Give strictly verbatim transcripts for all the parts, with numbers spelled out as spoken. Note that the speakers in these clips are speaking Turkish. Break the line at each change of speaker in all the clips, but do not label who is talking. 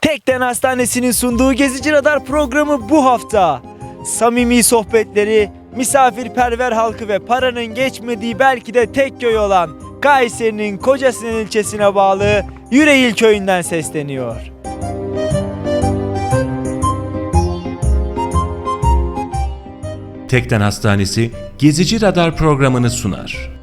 Tekden Hastanesi'nin sunduğu Gezici Radar programı bu hafta. Samimi sohbetleri, misafirperver halkı ve paranın geçmediği belki de tek köy olan Kayseri'nin Kocasinan ilçesine bağlı Yüreğil köyünden sesleniyor.
Tekden Hastanesi Gezici Radar programını sunar.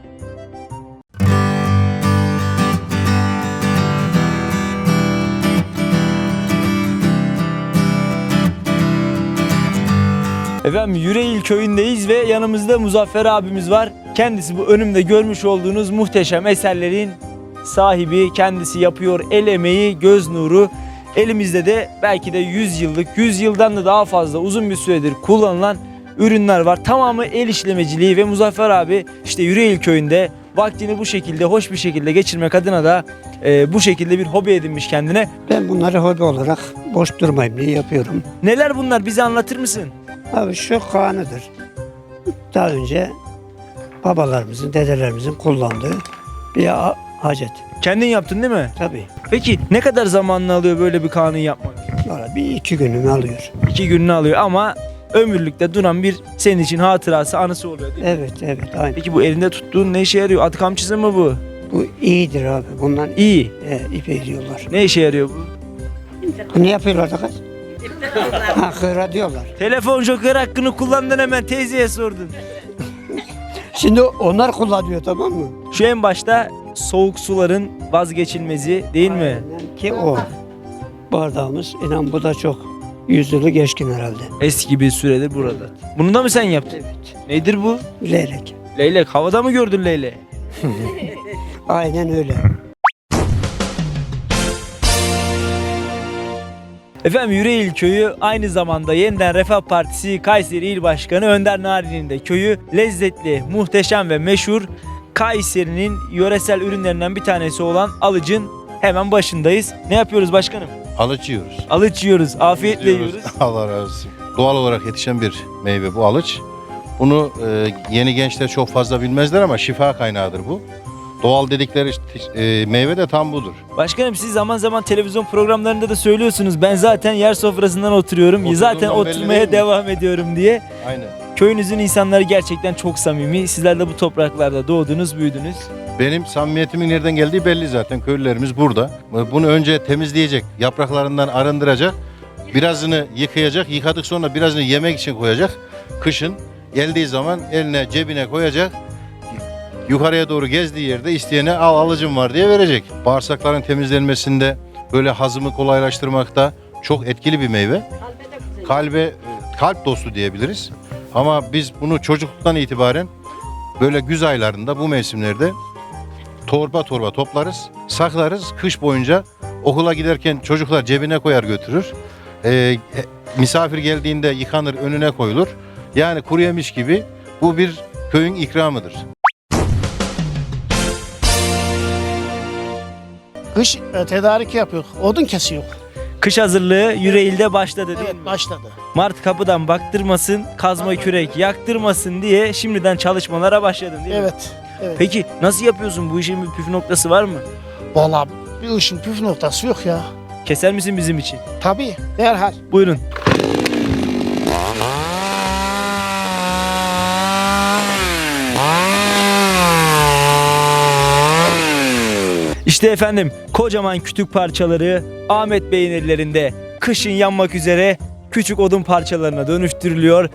Efendim Yüreğil köyündeyiz ve yanımızda Muzaffer abimiz var. Kendisi bu önümde görmüş olduğunuz muhteşem eserlerin sahibi. Kendisi yapıyor, el emeği, göz nuru. Elimizde de belki de yüz yıllık, yüz yıldan da daha fazla uzun bir süredir kullanılan ürünler var. Tamamı el işlemeciliği ve Muzaffer abi işte Yüreğil köyünde vaktini bu şekilde, hoş bir şekilde geçirmek adına da e, bu şekilde bir hobi edinmiş kendine.
Ben bunları hobi olarak boş durmayayım diye yapıyorum.
Neler bunlar, bize anlatır mısın?
Abi şu kanıdır. Daha önce babalarımızın, dedelerimizin kullandığı bir a- hacet.
Kendin yaptın değil mi?
Tabii.
Peki ne kadar zamanını alıyor böyle bir kanun yapmak?
Valla bir iki günümü alıyor.
İki gününü alıyor ama ömürlükte duran bir senin için hatırası, anısı oluyor değil mi?
Evet, evet, aynen.
Peki bu elinde tuttuğun ne işe yarıyor? At kamçısı mı bu?
Bu iyidir abi. Bundan
İyi.
e, ip ediyorlar.
Ne işe yarıyor bu?
Bu ne yapıyorlar da kız? Ha, kıra diyorlar.
Telefon joker hakkını kullandın, hemen teyzeye sordun.
Şimdi onlar kullanıyor, tamam mı?
Şu en başta soğuk suların vazgeçilmezi değil mi?
Aynen ki o. Bardağımız, inan bu da çok yüzyılı geçkin herhalde.
Eski bir süredir burada. Bunu da mı sen yaptın?
Evet.
Nedir bu?
Leylek.
Leylek. Havada mı gördün leyleği?
Aynen öyle.
Efendim Yüreğil köyü aynı zamanda Yeniden Refah Partisi Kayseri İl Başkanı Önder Narin'in de köyü. Lezzetli, muhteşem ve meşhur Kayseri'nin yöresel ürünlerinden bir tanesi olan alıcın hemen başındayız. Ne yapıyoruz başkanım?
Alıç yiyoruz.
Alıç yiyoruz, afiyetle yiyoruz.
Allah razı olsun. Doğal olarak yetişen bir meyve bu alıç. Bunu e, yeni gençler çok fazla bilmezler ama şifa kaynağıdır bu. Doğal dedikleri e, meyve de tam budur.
Başkanım siz zaman zaman televizyon programlarında da söylüyorsunuz. Ben zaten yer sofrasından oturuyorum.
Oturduğundan
zaten
belli
oturmaya
değil mi?
devam ediyorum diye.
Aynen.
Köyünüzün insanları gerçekten çok samimi. Sizler de bu topraklarda doğdunuz, büyüdünüz.
Benim samimiyetimin nereden geldiği belli zaten. Köylülerimiz burada. Bunu önce temizleyecek, yapraklarından arındıracak. Birazını yıkayacak. Yıkadık sonra birazını yemek için koyacak. Kışın geldiği zaman eline cebine koyacak. Yukarıya doğru gezdiği yerde isteyene al alıcım var diye verecek. Bağırsakların temizlenmesinde, böyle hazımı kolaylaştırmakta çok etkili bir meyve. Kalbe, kalp dostu diyebiliriz. Ama biz bunu çocukluktan itibaren böyle güz aylarında, bu mevsimlerde torba torba toplarız, saklarız. Kış boyunca okula giderken çocuklar cebine koyar götürür. Ee, misafir geldiğinde yıkanır, önüne koyulur. Yani kuru yemiş gibi bu bir köyün ikramıdır.
Kış e, tedarik yapıyor. Odun kesiyor.
Kış hazırlığı Yüreğil'de başladı değil
Evet
mi?
başladı.
Mart kapıdan baktırmasın, kazma kürek yaktırmasın diye şimdiden çalışmalara başladın değil mi?
Evet. Evet.
Peki nasıl yapıyorsun? Bu işin bir püf noktası var mı?
Vallahi bir işin püf noktası yok ya.
Keser misin bizim için?
Tabii derhal.
Buyurun. İşte efendim kocaman kütük parçaları Ahmet Bey'in ellerinde kışın yanmak üzere küçük odun parçalarına dönüştürülüyor.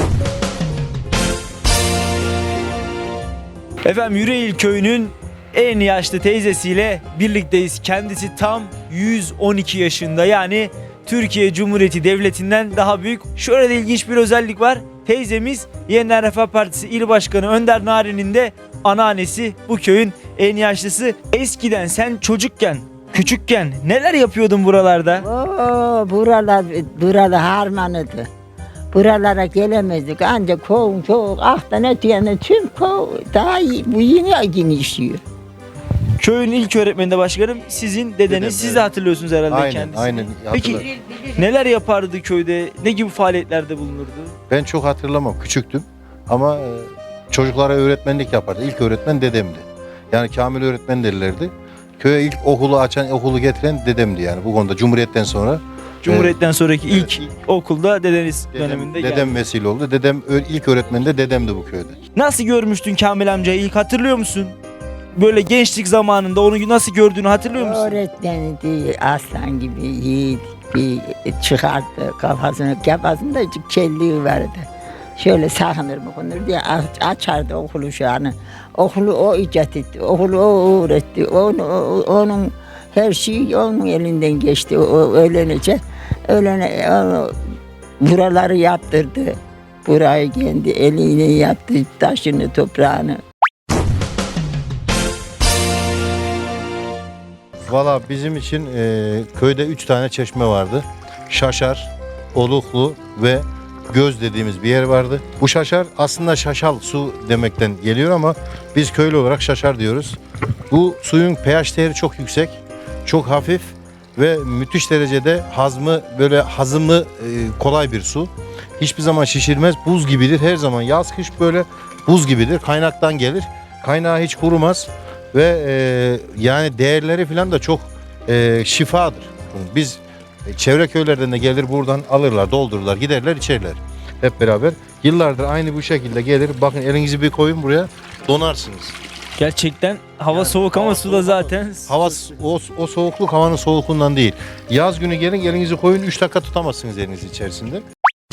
Efendim Yüreğil köyünün en yaşlı teyzesiyle birlikteyiz. Kendisi tam yüz on iki yaşında, yani Türkiye Cumhuriyeti Devleti'nden daha büyük. Şöyle de ilginç bir özellik var. Teyzemiz Yeniden Refah Partisi İl Başkanı Önder Narin'in de anneannesi, bu köyün en yaşlısı. Eskiden sen çocukken, küçükken neler yapıyordun buralarda?
Oo, buralar, buralar harmanıdı. Buralara gelemezdik ancak kovun çok ahtan öteyene tüm kov daha iyi, bu yine genişliyor.
Köyün ilk öğretmeni de başkanım sizin dedeniz.
Dedem,
Siz de
evet.
hatırlıyorsunuz herhalde
Aynen,
kendisini.
aynen.
Peki
Hatırlarım.
neler yapardı köyde? Ne gibi faaliyetlerde bulunurdu?
Ben çok hatırlamam, küçüktüm ama e, çocuklara öğretmenlik yapardı. İlk öğretmen dedemdi. Yani Kamil öğretmen derlerdi. Köye ilk okulu açan, okulu getiren dedemdi yani bu konuda Cumhuriyet'ten sonra.
Cumhuriyet'ten sonraki
Evet,
ilk
ilk-
okulda dedeniz
Dedem,
döneminde
dedem
geldi.
vesile oldu. Dedem ö- ilk öğretmen de dedemdi bu köyde.
Nasıl görmüştün Kamil amcayı ilk hatırlıyor musun? Böyle gençlik zamanında onu nasıl gördüğünü hatırlıyor musun?
Öğretmeni değil, aslan gibi yiğit bir çıkardı kafasını, kafasında kelliği vardı. Şöyle sakınır mı konur diye aç- açardı okulu şu an. Okulu o icat etti, okulu o öğretti. Onu, o- onun her şey onun elinden geçti. O öğlenecek. Öğlene, o, buraları yaptırdı. Burayı kendi eliyle yaptı, taşını, toprağını.
Valla bizim için e, köyde üç tane çeşme vardı. Şaşar, Oluklu ve Göz dediğimiz bir yer vardı. Bu şaşar aslında şaşal su demekten geliyor ama biz köylü olarak şaşar diyoruz. Bu suyun pH değeri çok yüksek, çok hafif ve müthiş derecede hazmı böyle hazımı e, kolay bir su. Hiçbir zaman şişirmez, buz gibidir. Her zaman yaz kış böyle buz gibidir. Kaynaktan gelir. Kaynağı hiç kurumaz ve e, yani değerleri falan da çok e, şifadır. Biz e, çevre köylerden de gelir buradan alırlar, doldururlar, giderler, içerler hep beraber. Yıllardır aynı bu şekilde gelir. Bakın elinizi bir koyun buraya, donarsınız.
Gerçekten hava soğuk ama suda zaten.
Hava o, o soğukluk havanın soğukluğundan değil. Yaz günü gelin elinizi koyun üç dakika tutamazsınız elinizi içerisinde.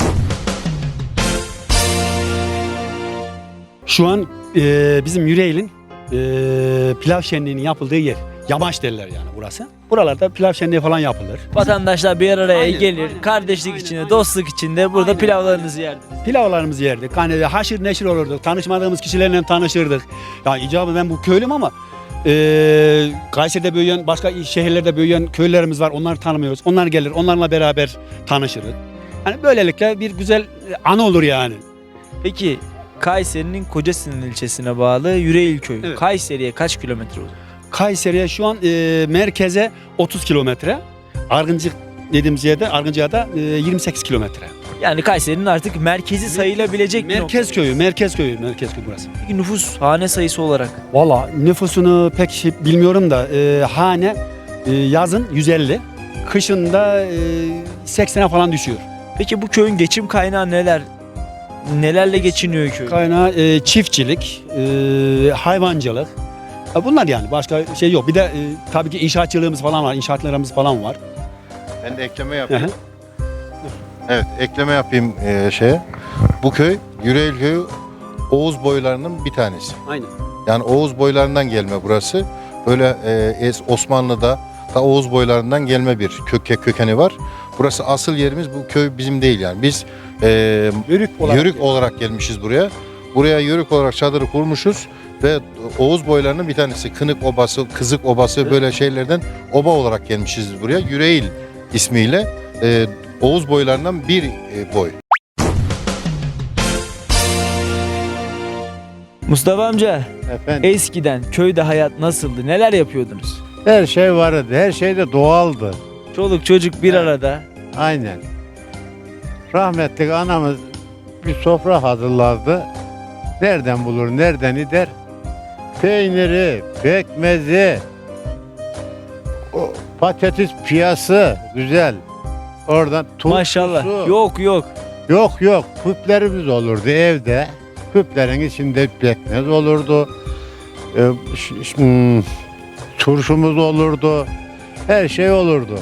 Şu an e, bizim Yüreğil'in e, pilav şenliğinin yapıldığı yer. Yamaç derler yani burası. Buralarda pilav şenliği falan yapılır.
Vatandaşlar bir araya
Aynen,
gelir,
aynen.
kardeşlik
Aynen,
içinde,
aynen.
dostluk içinde burada
Aynen.
pilavlarınızı yerdiniz.
Pilavlarımızı yerdik. Hani haşır neşir olurduk. Tanışmadığımız kişilerle tanışırdık. Ya icabı ben bu köylüm ama e, Kayseri'de büyüyen, başka şehirlerde büyüyen köylerimiz var. Onları tanımıyoruz. Onlar gelir, onlarla beraber tanışırız. Hani böylelikle bir güzel anı olur yani.
Peki Kayseri'nin Kocasinan ilçesine bağlı Yüreğil köyü.
Evet.
Kayseri'ye kaç kilometre uzak?
Kayseri'ye şu an e, merkeze otuz kilometre. Argıncık dediğimiz yerde Argıncık'a da e, yirmi sekiz kilometre.
Yani Kayseri'nin artık merkezi sayılabilecek bir nokta.
Merkez köyü, merkez köyü, merkez köyü burası.
Peki nüfus hane sayısı olarak
Valla nüfusunu pek şey bilmiyorum da e, hane e, yazın yüz elli, kışın da e, seksene falan düşüyor.
peki bu köyün geçim kaynağı neler? Nelerle geçiniyor köy?
Kaynağı e, çiftçilik, e, hayvancılık. E, bunlar yani başka şey yok. Bir de e, tabii ki inşaatçılığımız falan var, inşaatlarımız falan var.
Ben de ekleme
Hı
yapayım.
hı.
Evet, ekleme yapayım e, şeye. Bu köy, Yüreğil köyü Oğuz boylarının bir tanesi.
Aynen.
Yani Oğuz boylarından gelme burası. Böyle e, es- Osmanlı'da da Oğuz boylarından gelme bir köke kökeni var. Burası asıl yerimiz, bu köy bizim değil yani. Biz e,
Yörük olarak.
yörük olarak gelmişiz buraya. Buraya yörük olarak çadırı kurmuşuz ve Oğuz boylarının bir tanesi Kınık Obası, Kızık Obası böyle şeylerden oba olarak gelmişiz buraya. Yüreğil ismiyle e, Oğuz boylarından bir e, boy.
Mustafa amca
Efendim,
eskiden köyde hayat nasıldı? Neler yapıyordunuz?
her şey vardı, her şey de doğaldı.
Çoluk çocuk bir arada.
Aynen. Rahmetli anamız bir sofra hazırlardı. Nereden bulur, nereden gider? Peyniri, pekmezi, o patates piyası güzel. Oradan turşusu.
Maşallah. Yok yok.
Yok yok, küplerimiz olurdu evde. Küplerin içinde pekmez olurdu. Ee, ş- ş- hmm, turşumuz olurdu. Her şey olurdu.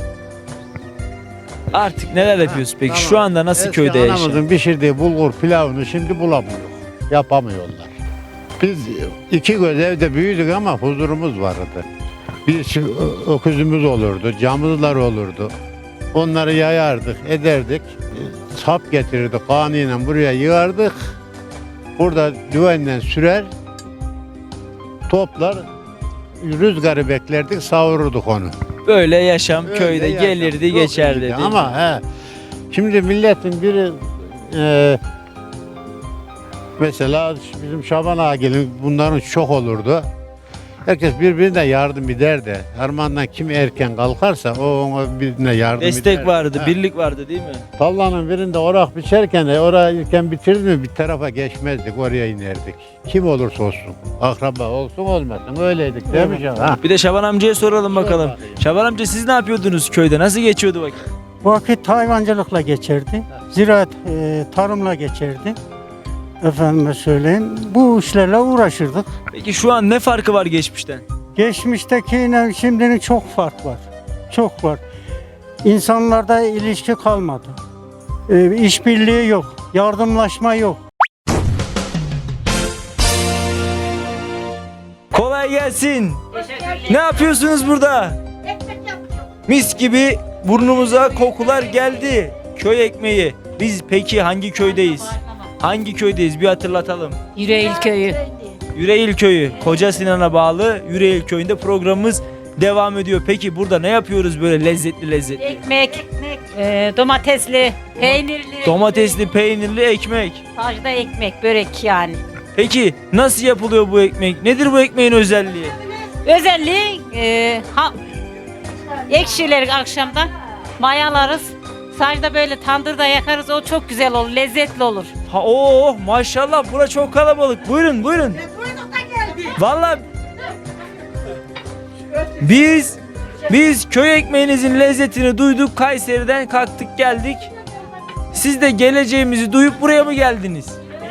Artık neler yapıyoruz peki?
Tamam.
Şu anda nasıl
Eski
köyde yaşıyorsun?
anamızın pişirdiği bulgur pilavını şimdi bulamıyor. Yapamıyorlar. Biz iki göz evde büyüdük ama huzurumuz vardı. Bir çi- ö- öküzümüz olurdu, camızlar olurdu. Onları yayardık, ederdik. Sap getirirdik, kanıyla buraya yığardık. Burada düvenle sürer, toplar, rüzgarı beklerdik, savururduk onu.
Böyle yaşam
Öyle
köyde
yaşam.
gelirdi
Çok
geçerdi.
iyiydi.
değil mi?
Ama he, şimdi milletin biri e, mesela bizim Şaban Ağa'nın bunların çok olurdu. Herkes birbirine yardım eder de harmandan kim erken kalkarsa o ona birbirine yardım eder.
Destek vardı,
Ha.
birlik vardı değil mi?
Tallanın birinde orak biçerken de orayı ilken bitirdi mi bir tarafa geçmezdik, oraya inerdik. Kim olursa olsun. Akraba olsun olmasın öyleydik değil mi canım? Ha.
Bir de Şaban amcaya soralım bakalım.
bakayım.
Şaban amca siz ne yapıyordunuz köyde? Nasıl geçiyordu vakit?
Vakit hayvancılıkla geçirdi. Ziraat, e, tarımla geçirdi. Efendime söyleyeyim. Bu işlerle uğraşırdık.
Peki şu an ne farkı var geçmişten?
Geçmiştekiyle şimdinin çok fark var. Çok var. İnsanlarda ilişki kalmadı. E, işbirliği yok. Yardımlaşma yok.
Kolay gelsin. Ne yapıyorsunuz burada? Mis gibi burnumuza kokular geldi. Köy ekmeği. Biz peki hangi köydeyiz? Hangi köydeyiz? Bir hatırlatalım.
Yüreğil köyü.
Yüreğil Köyü. Koca Sinan'a bağlı Yüreğil Köyü'nde programımız devam ediyor. Peki burada ne yapıyoruz böyle lezzetli lezzetli?
Ekmek, e, domatesli, peynirli,
Domatesli, peynirli ekmek.
sacda ekmek, börek yani.
Peki nasıl yapılıyor bu ekmek? Nedir bu ekmeğin özelliği?
Özelliği e, ha, ekşileri akşamdan mayalarız. Sacda böyle tandırda yakarız, o çok güzel olur, lezzetli olur.
Ha oh maşallah bura çok kalabalık. Buyurun buyurun. Vallahi biz biz köy ekmeğinizin lezzetini duyduk. Kayseri'den kalktık geldik. Siz de geleceğimizi duyup buraya mı geldiniz?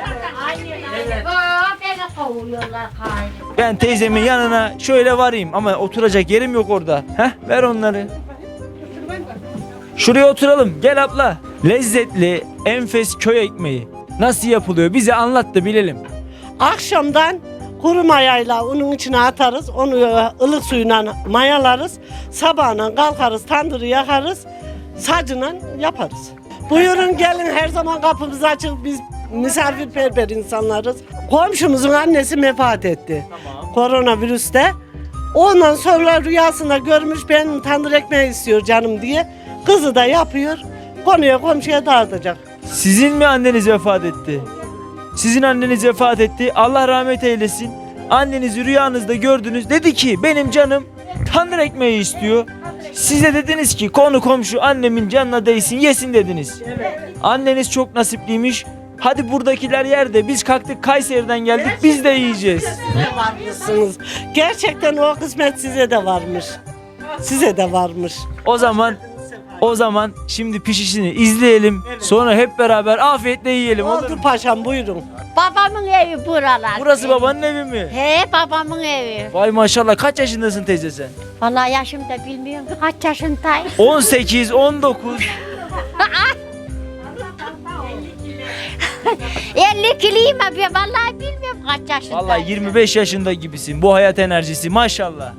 Ben teyzemin yanına şöyle varayım ama oturacak yerim yok orada. Heh ver onları. Şuraya oturalım. Gel abla. Lezzetli, enfes köy ekmeği. Nasıl yapılıyor? Bize anlat da bilelim.
Akşamdan kuru mayayla unun içine atarız. Onu ılık suyuna mayalarız. Sabahına kalkarız, tandırı yakarız. Sacıyla yaparız. Buyurun gelin, her zaman kapımız açık. Biz misafirperver insanlarız. Komşumuzun annesi vefat etti.
Tamam.
Koronavirüste. Ondan sonra rüyasında görmüş, ben tandır ekmeği istiyor canım diye. Kızı da yapıyor. Konuya komşuya dağıtacak.
Sizin mi anneniz vefat etti? Sizin anneniz vefat etti. Allah rahmet eylesin. Annenizi rüyanızda gördünüz. Dedi ki benim canım tandır ekmeği istiyor. Size dediniz ki konu komşu annemin canına değsin yesin dediniz. Anneniz çok nasipliymiş. Hadi buradakiler yerde biz kalktık Kayseri'den geldik biz de yiyeceğiz.
Varmışsınız. Gerçekten o kısmet size de varmış. Size de varmış.
O zaman o zaman şimdi pişişini izleyelim. Sonra hep beraber afiyetle yiyelim olur
Oldu
mu?
paşam, buyurun.
Babamın evi buralar.
Burası babanın evi mi?
He, babamın evi.
Vay maşallah kaç yaşındasın teyze sen?
Vallahi yaşım da bilmiyorum ki kaç yaşındayım.
on sekiz on dokuz.
elli kiliyim abi, vallahi bilmiyorum kaç yaşındayım.
Vallahi yirmi beş yaşında gibisin. Bu hayat enerjisi maşallah.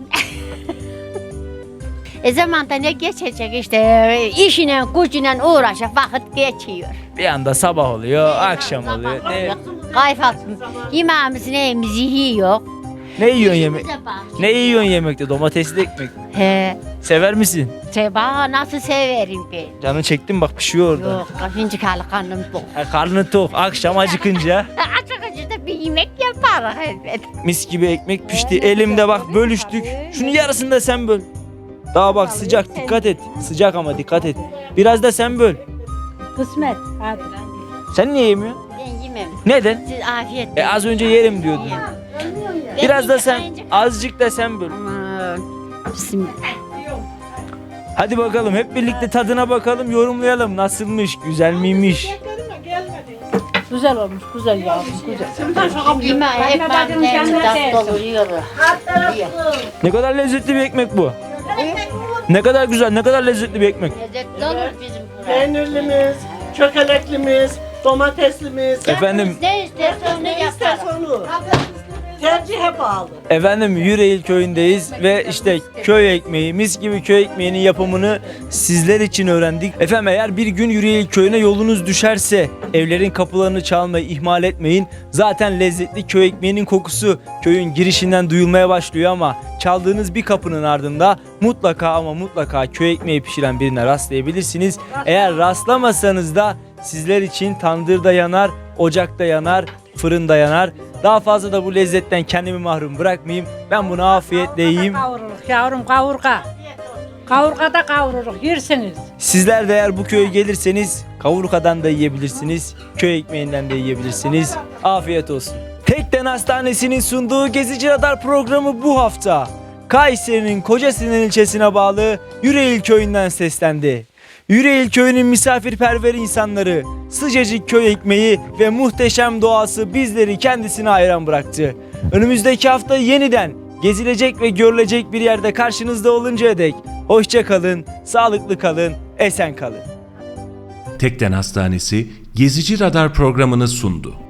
E zamanda ne geçecek işte, işine gücüne uğraşıp vakit geçiyor.
Bir anda sabah oluyor, akşam oluyor. Ne,
Kayfatsın. Yemeğimizi neyimizi yiyor.
ne yiyorsun yemek? Ne yiyorsun yemekte? Domatesli ekmek mi?
He.
Sever misin?
Seba nasıl severim ben.
Canın çekti mi? Bak pişiyor orada.
Yok, kaçıncı kalı karnım tok.
Ha, karnın tok. Akşam acıkınca
Açık açık da bir yemek yaparız elbet.
mis gibi ekmek pişti. Elimde bak bölüştük. Şunu yarısını da sen böl. Daha bak sıcak dikkat et. Sıcak ama dikkat et. Biraz da sen böl.
Kısmet. Hadi.
Sen niye yemiyorsun?
Ben yemem.
Neden?
Siz afiyet.
E az önce yerim diyordun. Biraz da sen, azıcık da sen böl.
Aman. Bismillah.
Hadi bakalım hep birlikte tadına bakalım, yorumlayalım. Nasılmış, güzel miymiş?
Güzel olmuş, güzel yavrum, güzel. Yemeği ekmeğin tatlı oluyor.
Ne kadar lezzetli bir ekmek bu. Ne kadar güzel, ne kadar lezzetli bir ekmek.
Lezzetli olur bizim burası.
Peynirlimiz, çökeleklimiz, domateslimiz.
Efendim,
Ne isterse onu
Ne
yaparız.
isterse onu. Tercihe bağlı.
efendim Yüreğil köyündeyiz ve işte köy ekmeği, mis gibi köy ekmeğinin yapımını sizler için öğrendik. Efendim eğer bir gün Yüreğil köyüne yolunuz düşerse evlerin kapılarını çalmayı ihmal etmeyin. Zaten lezzetli köy ekmeğinin kokusu köyün girişinden duyulmaya başlıyor ama çaldığınız bir kapının ardında mutlaka ama mutlaka köy ekmeği pişiren birine rastlayabilirsiniz. Eğer rastlamasanız da sizler için tandırda yanar, ocakta yanar, fırında yanar. Daha fazla da bu lezzetten kendimi mahrum bırakmayayım. Ben bunu afiyetle yiyeyim.
Kavururuk yavrum kavurga. Kavurga da kavururuk yersiniz.
Sizler de eğer bu köye gelirseniz kavurkadan da yiyebilirsiniz. Köy ekmeğinden de yiyebilirsiniz. Afiyet olsun. Tekden Hastanesi'nin sunduğu Gezici Radar programı bu hafta Kayseri'nin Kocasinan ilçesine bağlı Yüreğil köyünden seslendi. Yüreğil köyünün misafirperver insanları, sıcacık köy ekmeği ve muhteşem doğası bizleri kendisine hayran bıraktı. Önümüzdeki hafta yeniden gezilecek ve görülecek bir yerde karşınızda oluncaya dek hoşça kalın, sağlıklı kalın, esen kalın.
Tekden Hastanesi Gezici Radar programını sundu.